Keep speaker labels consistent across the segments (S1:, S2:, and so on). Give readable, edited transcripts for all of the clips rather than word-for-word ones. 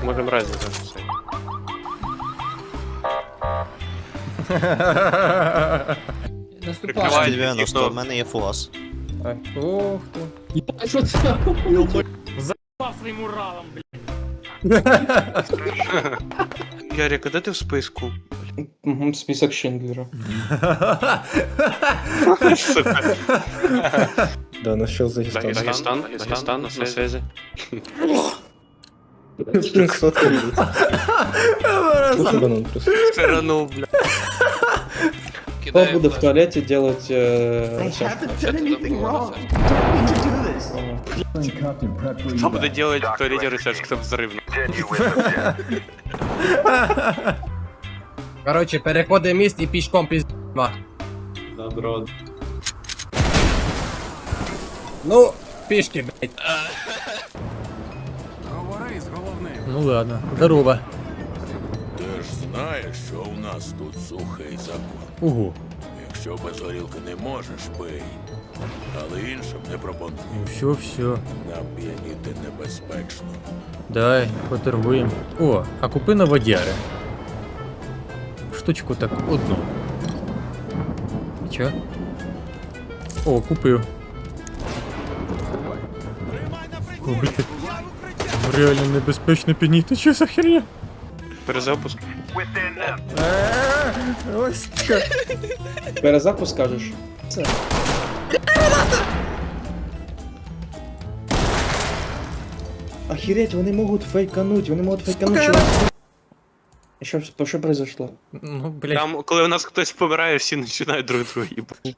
S1: Можемо разом записати.
S2: Наступай.
S3: 90, в мене є фугас.
S2: Ох ти.
S4: А що це?
S5: Паслим Уралом, блядь.
S1: Ярик, а де ти в списку?
S2: Список Шиндлера.
S1: Сука.
S2: Да, нашел Дагестан.
S1: Дагестан, на связи.
S2: Сфоткали. Слушай, банан просто.
S1: Сторону, бля.
S2: Кто будет в туалете делать...
S1: Що буде делать в туалете ресерч, хто взривно?
S4: Короче, переходимо міст і пішком пізма.
S2: Добро.
S4: Ну, пішки, блядь.
S5: Говори з головним.
S4: Ну ладно, здорово.
S6: Ти ж знаєш, що у нас тут сухий закон.
S4: Угу.
S6: Якщо без горілки не можеш, пий. Але іншим не пропоную.
S4: Все.
S6: Нам п'яніти небезпечно.
S4: Дай, поторгуємо. О, а купи на водяри. Штучку так одну. Чо? О, купив. О, блядь. Реально небезпечно підніти, що за херня?
S1: Перезапуск.
S4: Ось так.
S2: Перезапуск скажешь? Охереть, вони можуть фейкануть, Що произошло?
S4: Ну, блядь.
S1: Там, коли у нас хтось помирає, всі починають друг друга їбати.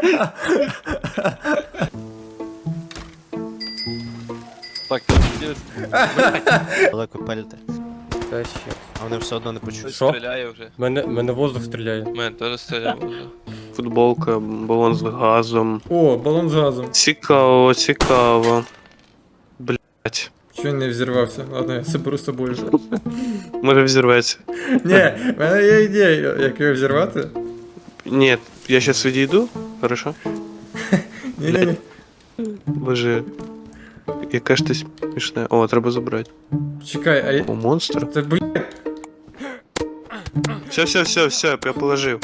S3: Далеко пельте.
S4: Та ще.
S3: А вони все одно не почують.
S4: Що?
S7: Стріляє вже.
S4: Мене воздух стріляє.
S7: Мене теж стріляє вже.
S1: Футболка, балон з газом.
S4: О, балон з газом.
S1: Цікаво. Блять.
S4: Чого він не взірвався? Ладно, я заберу з собою.
S1: Може взірветься.
S4: Ні, в мене є ідея, як його взірвати.
S1: Ні, я щас відійду. Хорошо?
S4: Ні.
S1: Боже. Яке ж ти смішне. О, треба забрати.
S4: Чекай, а я...
S1: О, монстр.
S4: Це, блядь,
S1: Все, я положив.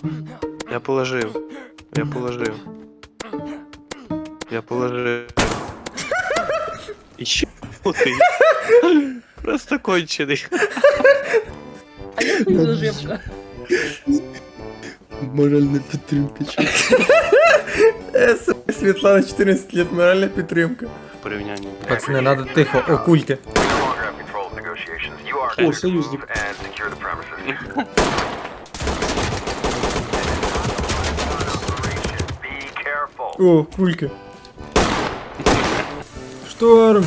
S1: І ще ти. Просто кончений.
S2: Моральна підтримка.
S4: Світлана 14 лет, моральна підтримка.
S1: В порівнянні.
S4: Пацани, надо тихо, окульки.
S2: О, союзник.
S4: О, кульки. Шторм.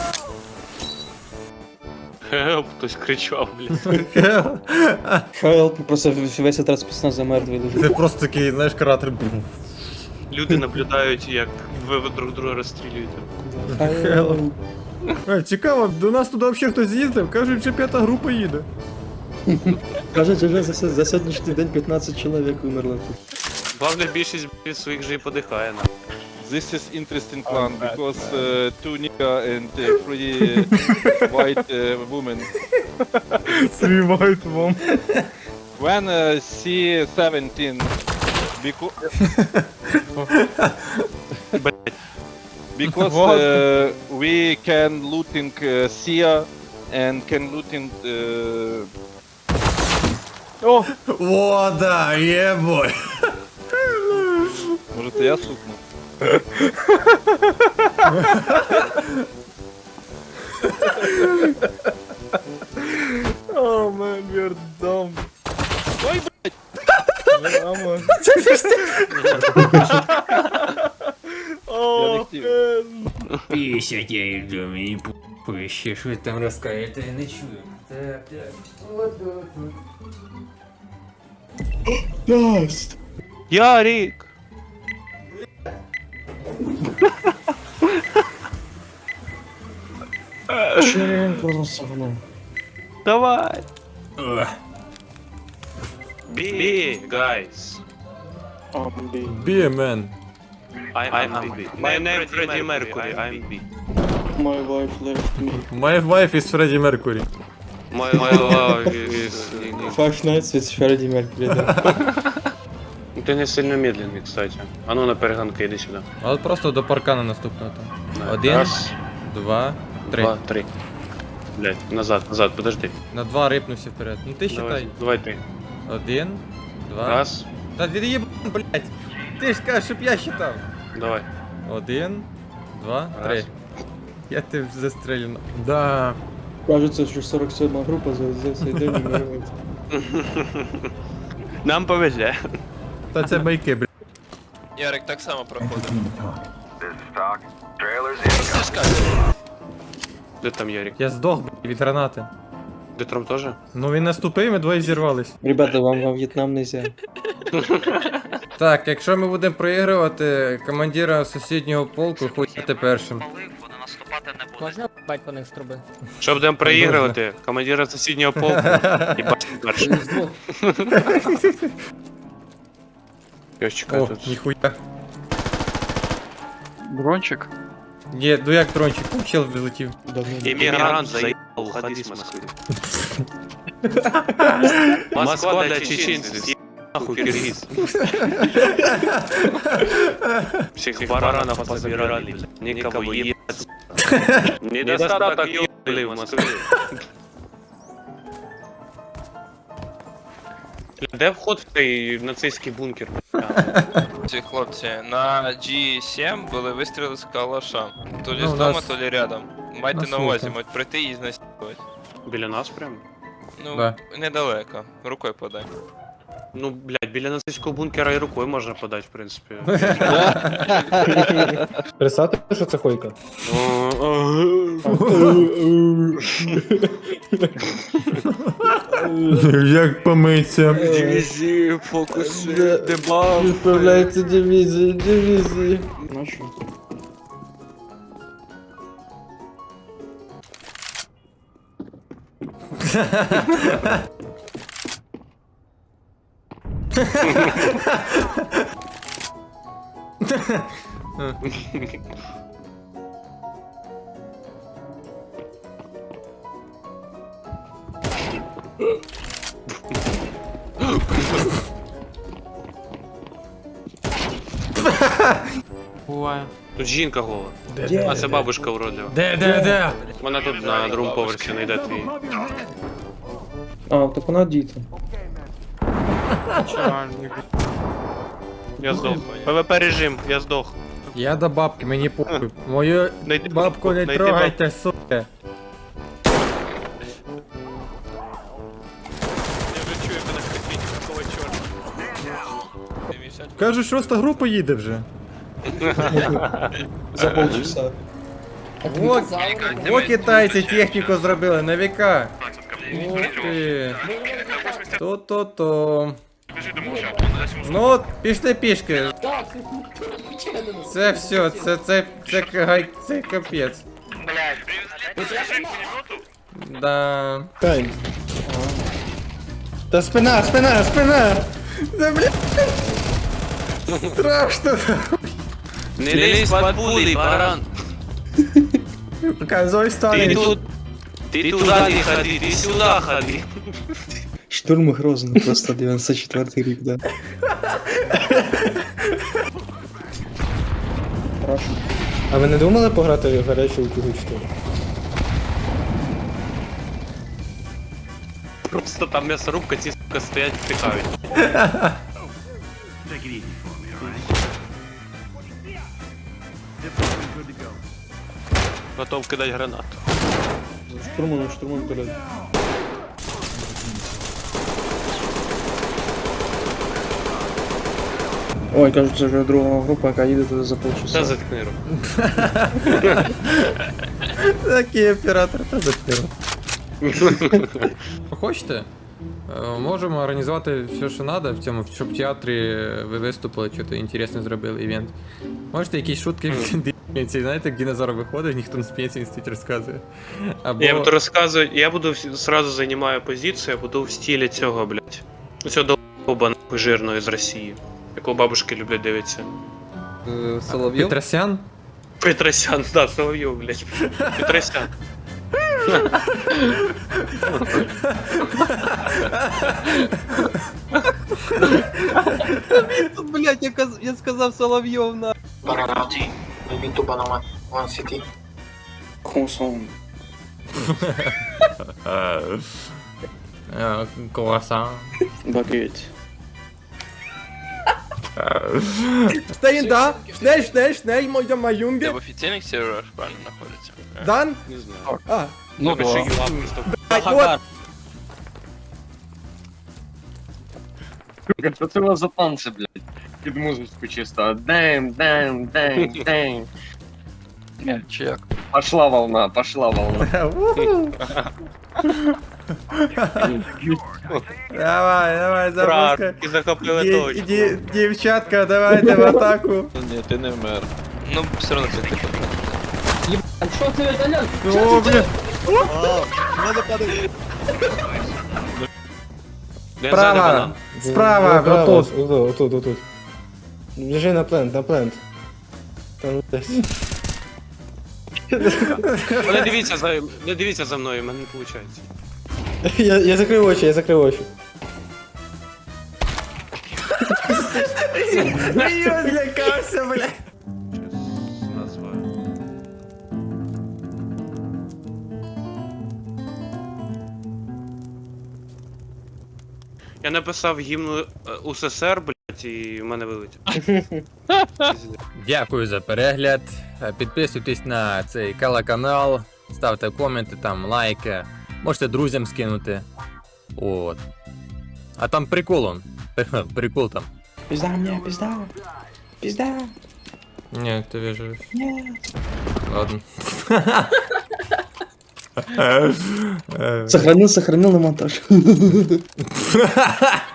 S1: Хелп, хтось кричав, блін.
S2: Хелп, просто весь этот спецназ замертвий лежить.
S4: Це просто такий, знаєш, кратер.
S1: Люди наблюдають, як ви друг друга розстрілюєте.
S4: Хелп. Цікаво, до нас туди взагалі хтось з'їздив, кажуть, що 5-та група їде.
S2: Кажуть, вже за сьогоднішній день 15 чоловік умерло тут.
S1: Главне, більшість від своїх же і подихає на.
S8: This is interesting one because two nigga and three white women.
S4: Срівають вам.
S8: When C17 because we can looting Sia and can looting
S4: О, да, єбой.
S8: Может я сукну?
S4: О, man, we're dumb.
S8: Ой, блядь! Я не хотів.
S5: Пісять я йду, мені пище, що ви там розкажете, я не чую. Так.
S1: Ярик! Давай! Be, guys.
S4: Be a man.
S1: I'm B. My name Freddie Mercury, I'm B.
S2: My wife left me.
S4: My wife is Freddie Mercury.
S1: My love is...
S2: Five Nights with Freddy Mercury, да.
S7: Ты не сильно медленный, кстати. А ну на перегонки, иди сюда.
S4: А от просто до паркана наступного там.
S7: Да.
S4: Один,
S7: Раз,
S4: 2, 3.
S7: два, три. Блять, назад, подожди.
S4: На 2 рипнувся вперед. Ну ти считай.
S7: Давай ты.
S4: 1, 2.
S7: Раз,
S4: Та від'єб, блять. Ти ж кажеш, щоб я считав.
S7: давай.
S4: 1, 2,
S7: Раз.
S4: 3. Я тебе застрелю. Да.
S2: Кажется, що 47 група за цей день вмирає.
S1: Нам повезе.
S4: Та це байки, блять.
S9: Ярик так само проходив.
S7: Де там Ярик?
S4: Я здох, блять, від гранати.
S7: Де там тоже?
S4: Ну він наступив, ми двоє зірвались.
S2: Ребята, вам во В'єтнам нельзя.
S4: Так, якщо ми будемо проігрувати, командира сусіднього полку хуйте першим.
S10: Можна бать по них з труби?
S1: Що будемо проігрувати? Командира сусіднього полку. Їбать перший.
S7: Я ж чекаю
S4: О,
S7: тут.
S4: ніхуя.
S8: Дрончик.
S4: Ні, ну як трончик, там чел вилетів.
S2: Давно.
S1: Иммигрант заебал, уходи с Москвы. Москва для чеченцев, съебал нахуй киргиз. Всех баранов позабирали, никого ебать. Недостаток ебали в Москве. Де вход в цей нацистський бункер?
S9: Ці хлопці на G7 були вистріли з калаша. То лі
S4: Ну,
S9: з
S4: у
S9: дома,
S4: нас-
S9: то лі рядом. Майте
S4: нас
S9: на увазі,
S4: слухай.
S9: можуть прийти і знасилувати.
S7: Біля нас прям?
S9: Ну,
S4: Да.
S9: недалеко. Рукою подай.
S7: Ну, блядь, біля нацистського бункера і рукою можна подати, в принципі.
S2: Представте, що це хойка.
S4: Як помиться.
S1: Дивізії, фокуси, дебаф.
S2: Відправляється дивізії. Ну що?
S7: Тут жінка гола. А це бабушка вродлива.
S4: Де?
S7: Вона тут на другому поверсі знайде твій.
S2: А, так вона діти.
S1: Я здох. ПВП режим, я здох.
S4: Я до бабки, мені похуй. Мою
S1: Найди
S4: бабку не
S1: найди
S4: трогайте, сука.
S9: Я вже чую, як вона кричить, какого чорта.
S4: Кажуть, 6 група їде вже.
S2: За полчаса.
S4: О, китайці техніку зробили на віка. Ух ти. То-то-то. Ну, пішли пішки. Це все, це капець. Да.
S2: Кайм. Та спина!
S4: Да, блядь. Страшно.
S1: Не лезь под пули, баран.
S4: Казой
S1: Ты
S4: стали.
S1: тут... Ты туда не ходи, ты сюда ходи.
S2: Штурм Грозно, просто 94-й рік, да. А ви не думали пограти в гарячу утюгочку?
S7: Просто там м'ясорубка, ці сука стоять, втикають.
S1: Готов кидать гранату.
S2: Штурмуем, блядь. Ой, кажуть, це вже друга група, яка їде туди за
S7: Та
S2: полчаса.
S7: заткни руку.
S4: Такий оператор, та запіру. Хочете? Можемо організувати все, що треба в цьому, щоб в театрі ви виступили, що-то інтересне зробили івент. Можете якісь шутки в пенсії, знаєте, як динозавр виходить, ніхто на пенсії стоїть розказує. Або...
S7: Я буду розказувати, я буду сразу займаю позицію, я буду в стилі цього, блядь. Цього долбоба нахуй жирного з Росії. Якого бабушки люблять дивитися.
S4: Петросян?
S7: Петросян, да, Соловйов, блядь. Петросян.
S4: Блять, я сказав Соловйов на.
S10: Баранати. Міту банана. One city.
S4: Круасан.
S2: Багеть.
S4: Стейн, да? Schnell, мой
S9: Ти
S4: Юнге.
S9: в офіційних серверах правильно знаходиться?
S4: Дан?
S7: Не знаю.
S4: А,
S7: Ну, да. Просто
S4: вот.
S10: Що це у вас за танці, блядь? Під музичку чисто. Дэм.
S9: Чи як?
S10: Пошла волна.
S4: Давай, запускай.
S7: і захопили точку.
S4: Дівчатка, давайте в атаку.
S8: Ні, ти не вмер.
S9: Ну, все одно ти типу.
S4: О, бля. Справа, справа, отут.
S2: Отут. Біжи на плент. Там десь.
S7: Не дивіться за мною, в мене не виходить.
S2: Я закрив очі.
S4: Я злякався, бля.
S8: Назва.
S7: Я написав гімн УССР, блядь, і в мене вилетів.
S4: Дякую за перегляд. Підписуйтесь на цей канал, ставте коменти, там лайки. Можете друзям скинути. От. А там прикол он. Прикол там. Пизда. Ні, ти виживеш. Ні. Ладно.
S2: Сохранил на монтаж.